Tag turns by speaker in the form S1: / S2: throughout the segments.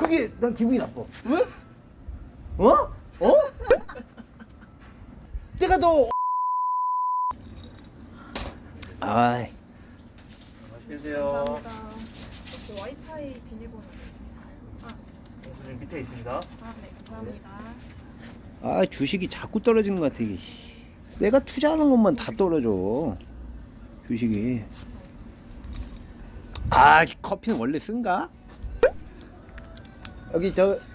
S1: 그게 난 기분이 나빠.
S2: 왜?
S1: 어? 어? 내가 너 아이
S2: 맛있게 드세요.
S3: 감사합니다. 혹시 와이파이 비밀번호 아시겠어요?
S2: 영수증 밑에 있습니다.
S3: 네, 감사합니다.
S1: 아 주식이 자꾸 떨어지는 것 같아 이게. 내가 투자하는 것만 다 떨어져 주식이. 아 커피는 원래 쓴가? 여기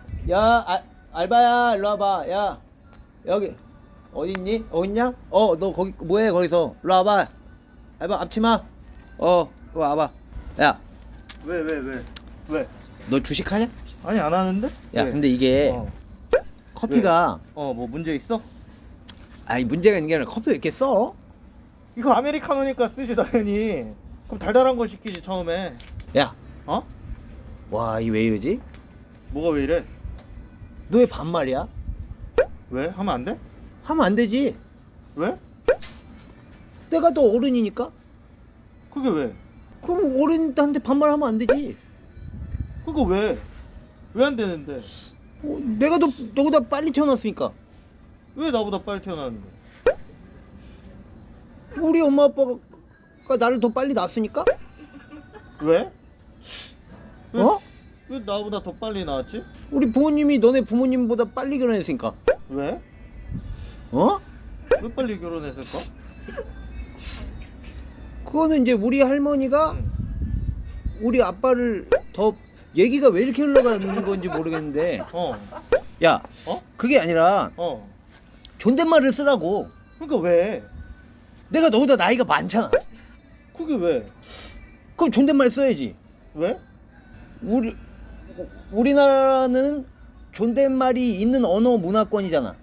S1: 알바야 일로 와봐. 야 여기 어디 있니? 있냐? 너 거기 뭐해 거기서? 일로 와봐. 알바 앞치마. 일로 와봐. 야
S2: 왜?
S1: 너 주식하냐?
S2: 아니 안 하는데?
S1: 야
S2: 왜?
S1: 근데 이게 커피가
S2: 뭐 문제 있어?
S1: 아니 문제가 있는 게 아니라 커피 왜 이렇게 써?
S2: 이거 아메리카노니까 쓰지 당연히. 그럼 달달한 거 시키지 처음에.
S1: 야,
S2: 어?
S1: 와, 이 왜 이러지?
S2: 뭐가 왜 이래?
S1: 너 왜 반말이야?
S2: 왜? 하면 안 돼?
S1: 하면 안 되지.
S2: 왜?
S1: 내가 너 어른이니까.
S2: 그게 왜?
S1: 그럼 어른한테 반말하면 안 되지.
S2: 그거 왜? 왜 안 되는데?
S1: 내가 너보다 빨리 태어났으니까.
S2: 왜 나보다 빨리 태어났는데?
S1: 우리 엄마 아빠가 나를 더 빨리 낳았으니까.
S2: 왜?
S1: 어?
S2: 왜 나보다 더 빨리 나왔지?
S1: 우리 부모님이 너네 부모님보다 빨리 결혼했으니까.
S2: 왜?
S1: 어?
S2: 왜 빨리 결혼했을까?
S1: 그거는 이제 우리 할머니가
S2: 응.
S1: 우리 아빠를 더 얘기가 왜 이렇게 흘러가는 건지 모르겠는데. 야, 그게 아니라 존댓말을 쓰라고.
S2: 그러니까 왜?
S1: 내가 너보다 나이가 많잖아.
S2: 그게 왜?
S1: 그럼 존댓말 써야지.
S2: 왜?
S1: 우리나라는 존댓말이 있는 언어 문화권이잖아.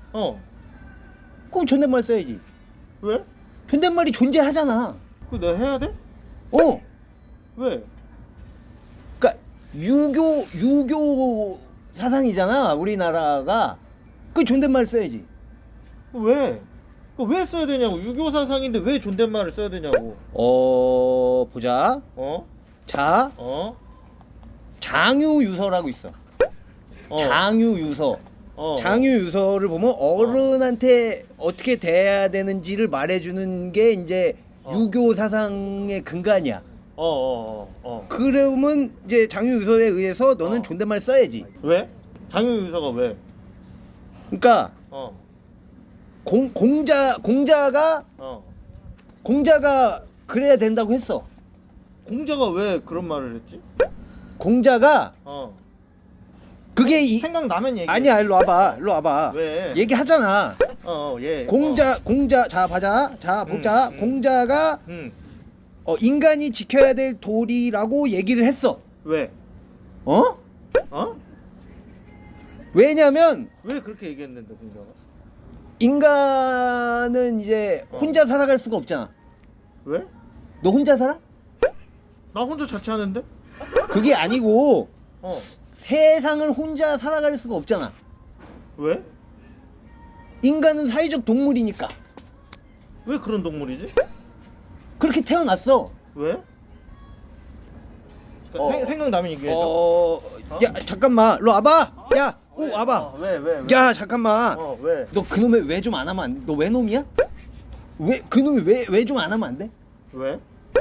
S1: 그럼 존댓말 써야지.
S2: 왜?
S1: 존댓말이 존재하잖아.
S2: 그거 내가 해야 돼?
S1: 왜?
S2: 왜?
S1: 그러니까 유교 사상이잖아 우리나라가. 그 존댓말 써야지.
S2: 왜? 그거 왜 써야 되냐고. 유교 사상인데 왜 존댓말을 써야 되냐고.
S1: 보자. 자, 장유유서라고 있어. 장유유서. 장유유서를 보면 어른한테 어떻게 대해야 되는지를 말해주는 게 이제 유교 사상의 근간이야. 그러면 이제 장유유서에 의해서 너는 존댓말 써야지.
S2: 왜? 장유유서가 왜?
S1: 그러니까 공자가 그래야 된다고 했어.
S2: 공자가 왜 그런 말을 했지?
S1: 공자가 그게
S2: 생각나면 얘기해.
S1: 아니야. 일로 와봐.
S2: 왜?
S1: 얘기하잖아.
S2: 예.
S1: 공자 자 보자. 공자가 인간이 지켜야 될 도리라고 얘기를 했어.
S2: 왜?
S1: 왜냐면
S2: 왜 그렇게 얘기했는데 공자가?
S1: 인간은 이제 혼자 살아갈 수가 없잖아.
S2: 왜?
S1: 너 혼자 살아?
S2: 나 혼자 자취하는데?
S1: 그게 아니고 세상을 혼자 살아갈 수가 없잖아.
S2: 왜?
S1: 인간은 사회적 동물이니까.
S2: 왜 그런 동물이지?
S1: 그렇게 태어났어.
S2: 왜? 생각나면 얘기해.
S1: 야 잠깐만. 일로 와봐. 야, 와봐.
S2: 왜?
S1: 야 잠깐만.
S2: 왜?
S1: 너 그놈의 왜 좀 안 하면 안 돼? 너 왜 놈이야? 왜 그놈이 왜 좀 안 하면 안 돼?
S2: 왜?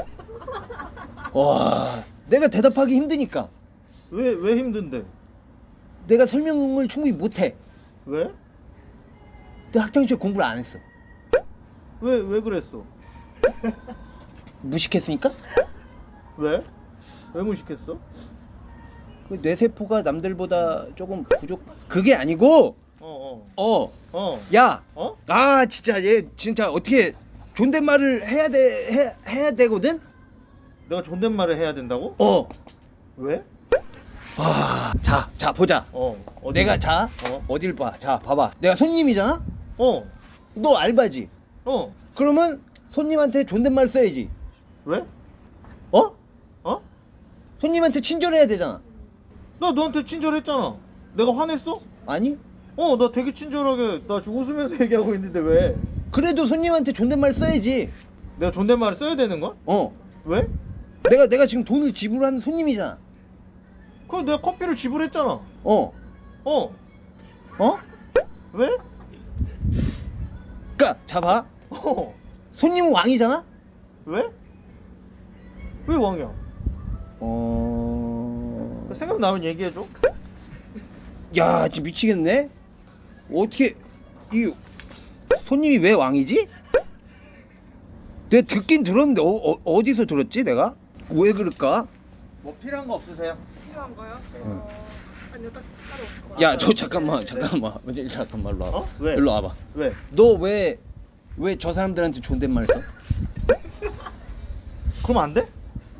S1: 와, 내가 대답하기 힘드니까.
S2: 왜 힘든데?
S1: 내가 설명을 충분히 못해.
S2: 왜?
S1: 내가 학창시절 공부를 안 했어.
S2: 왜 그랬어?
S1: 무식했으니까?
S2: 왜? 왜 무식했어?
S1: 그 뇌세포가 남들보다 조금 부족. 그게 아니고. 야. 아 진짜 얘 진짜 어떻게 존댓말을 해야 되거든.
S2: 내가 존댓말을 해야 된다고? 왜?
S1: 자 보자. 내가 어딜 봐. 자 봐봐. 내가 손님이잖아. 너 알바지. 그러면 손님한테 존댓말 써야지.
S2: 왜?
S1: 손님한테 친절해야 되잖아.
S2: 나 너한테 친절했잖아. 내가 화냈어?
S1: 아니?
S2: 나 되게 친절하게 나 지금 웃으면서 얘기하고 있는데 왜?
S1: 그래도 손님한테 존댓말 써야지.
S2: 내가 존댓말을 써야 되는 거야? 왜?
S1: 내가 지금 돈을 지불하는 손님이잖아.
S2: 그거 내가 커피를 지불했잖아.
S1: 어.
S2: 어.
S1: 어?
S2: 왜?
S1: 그니까 잡아.
S2: 어.
S1: 손님은 왕이잖아?
S2: 왜? 왜 왕이야? 생각나면 얘기해줘.
S1: 야, 진짜 미치겠네. 어떻게 이 손님이 왜 왕이지? 내가 듣긴 들었는데 어디서 들었지 내가? 왜 그럴까?
S2: 뭐 필요한 거 없으세요?
S3: 필요한 거요?
S1: 응.
S3: 아니요, 따로 없을 것
S1: 야,
S3: 같아요.
S1: 저 잠깐만 잠깐만 일로 와봐.
S2: 어? 왜?
S1: 일로 와봐.
S2: 왜?
S1: 너 왜 저 사람들한테 존댓말 써?
S2: 그럼 안 돼?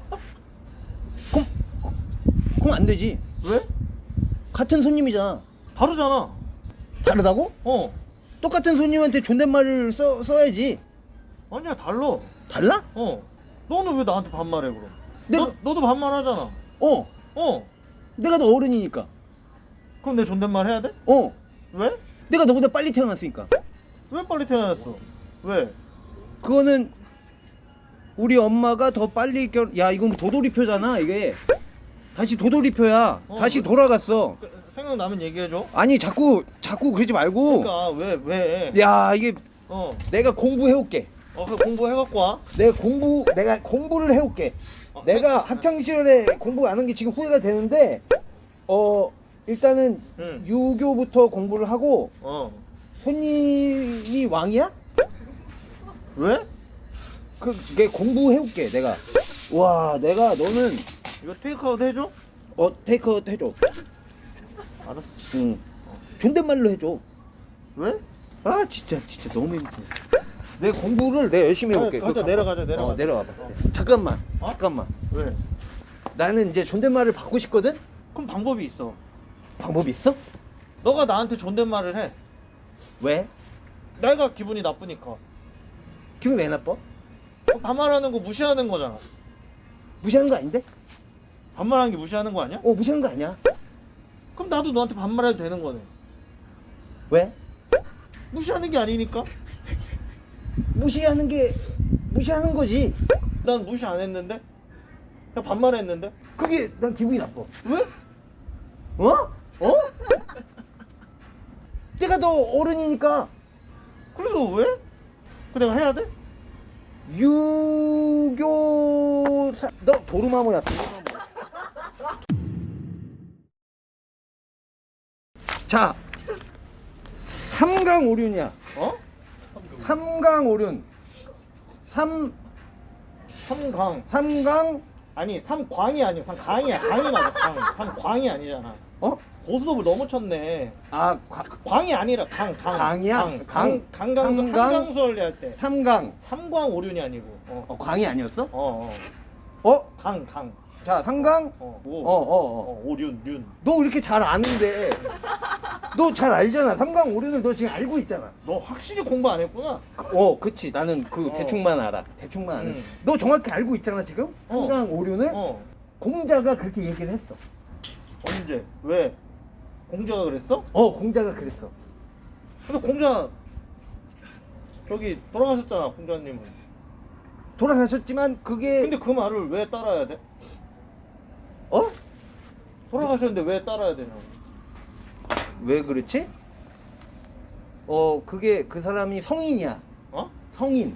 S1: 그럼 안 되지.
S2: 왜?
S1: 같은 손님이잖아.
S2: 다르잖아.
S1: 다르다고?
S2: 어.
S1: 똑같은 손님한테 존댓말을 써야지.
S2: 아니야, 달라.
S1: 달라?
S2: 어. 너는 왜 나한테 반말해 그럼?
S1: 내가-
S2: 너도 반말하잖아.
S1: 어.
S2: 어.
S1: 내가 너 어른이니까.
S2: 그럼 내 존댓말 해야 돼?
S1: 어.
S2: 왜?
S1: 내가 너보다 빨리 태어났으니까.
S2: 왜 빨리 태어났어? 왜?
S1: 그거는 우리 엄마가 더 빨리 야, 이건 도돌이표잖아 이게. 다시 도돌이표야. 다시 돌아갔어.
S2: 생각나면 얘기해줘.
S1: 아니 자꾸 그러지 말고.
S2: 그러니까 왜?
S1: 야, 이게
S2: 어.
S1: 내가 공부해올게.
S2: 그 공부해갖고 와.
S1: 내가 공부를 해올게.
S2: 어,
S1: 내가 학창 시절에 공부 안 한 게 지금 후회가 되는데 일단은
S2: 응.
S1: 유교부터 공부를 하고.
S2: 어.
S1: 손님이 왕이야?
S2: 왜?
S1: 그게 공부해올게 내가. 와, 내가 너는
S2: 이거 테이크아웃 해줘?
S1: 테이크아웃 해줘.
S2: 알았어.
S1: 응. 존댓말로 해줘.
S2: 왜?
S1: 아, 진짜 너무 힘들어. 내 공부를 내가 열심히 해볼게.
S2: 가자, 내려가자.
S1: 내려와봐. 잠깐만.
S2: 어?
S1: 잠깐만.
S2: 왜?
S1: 나는 이제 존댓말을 받고 싶거든.
S2: 그럼 방법이 있어.
S1: 방법이 있어?
S2: 너가 나한테 존댓말을 해.
S1: 왜?
S2: 내가 기분이 나쁘니까.
S1: 기분 왜 나빠?
S2: 반말하는 거 무시하는 거잖아.
S1: 무시하는 거 아닌데?
S2: 반말하는 게 무시하는 거 아니야?
S1: 무시하는 거 아니야.
S2: 그럼 나도 너한테 반말해도 되는 거네.
S1: 왜?
S2: 무시하는 게 아니니까.
S1: 무시하는 거지.
S2: 난 무시 안 했는데? 그냥 반말했는데?
S1: 그게 난 기분이 나빠.
S2: 왜?
S1: 어? 내가 너 어른이니까.
S2: 그래서 왜? 그 내가 해야 돼?
S1: 너 도루마모야. 자, 삼강오륜이야.
S2: 어?
S1: 삼강오륜.
S2: 삼강.
S1: 삼강.
S2: 아니 삼광이 아니고 삼강이야. 강이 맞아. 강. 삼광이 아니잖아. 고스톱을 너무 쳤네. 광이 아니라 강.
S1: 강이야?
S2: 강강수
S1: 삼강?
S2: 한강수 원리 할 때.
S1: 삼강.
S2: 삼광오륜이 아니고.
S1: 광이 아니었어?
S2: 강.
S1: 자, 삼강.
S2: 오륜.
S1: 너 이렇게 잘 아는데. 너 잘 알잖아. 삼강오륜을 너 지금 알고 있잖아.
S2: 너 확실히 공부 안 했구나.
S1: 그치. 나는 대충만 알아. 대충만 아는.
S2: 응.
S1: 너 정확히 알고 있잖아 지금. 삼강오륜을. 공자가 그렇게 얘기를 했어.
S2: 언제? 왜? 공자가 그랬어?
S1: 공자가 그랬어.
S2: 근데 공자 저기 돌아가셨잖아, 공자님은.
S1: 돌아가셨지만 그게
S2: 근데 그 말을 왜 따라야 돼? 돌아가셨는데 왜 따라야 되냐고.
S1: 왜 그렇지? 그게 그 사람이 성인이야. 성인.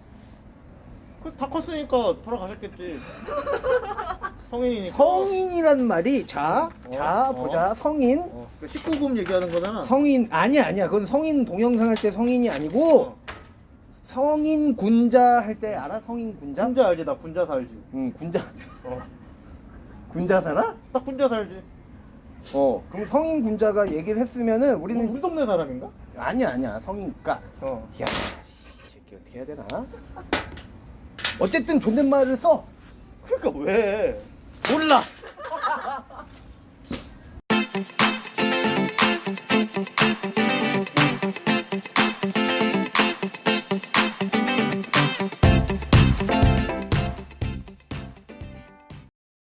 S2: 다 컸으니까 돌아가셨겠지. 성인이니까.
S1: 성인이란 말이 자 보자. 성인.
S2: 19금 얘기하는 거잖아.
S1: 성인 아니야. 그건 성인 동영상 할 때 성인이 아니고 성인 군자 할 때 알아? 성인 군자?
S2: 군자 알지? 나 군자 살지.
S1: 응, 군자. 군자 살아?
S2: 나 군자 살지.
S1: 그럼 성인 군자가 얘기를 했으면은 우리는
S2: 우리 동네 사람인가?
S1: 아니야. 성인가. 야, 이 새끼 어떻게 해야 되나? 어쨌든 존댓말을 써.
S2: 그러니까 왜?
S1: 몰라.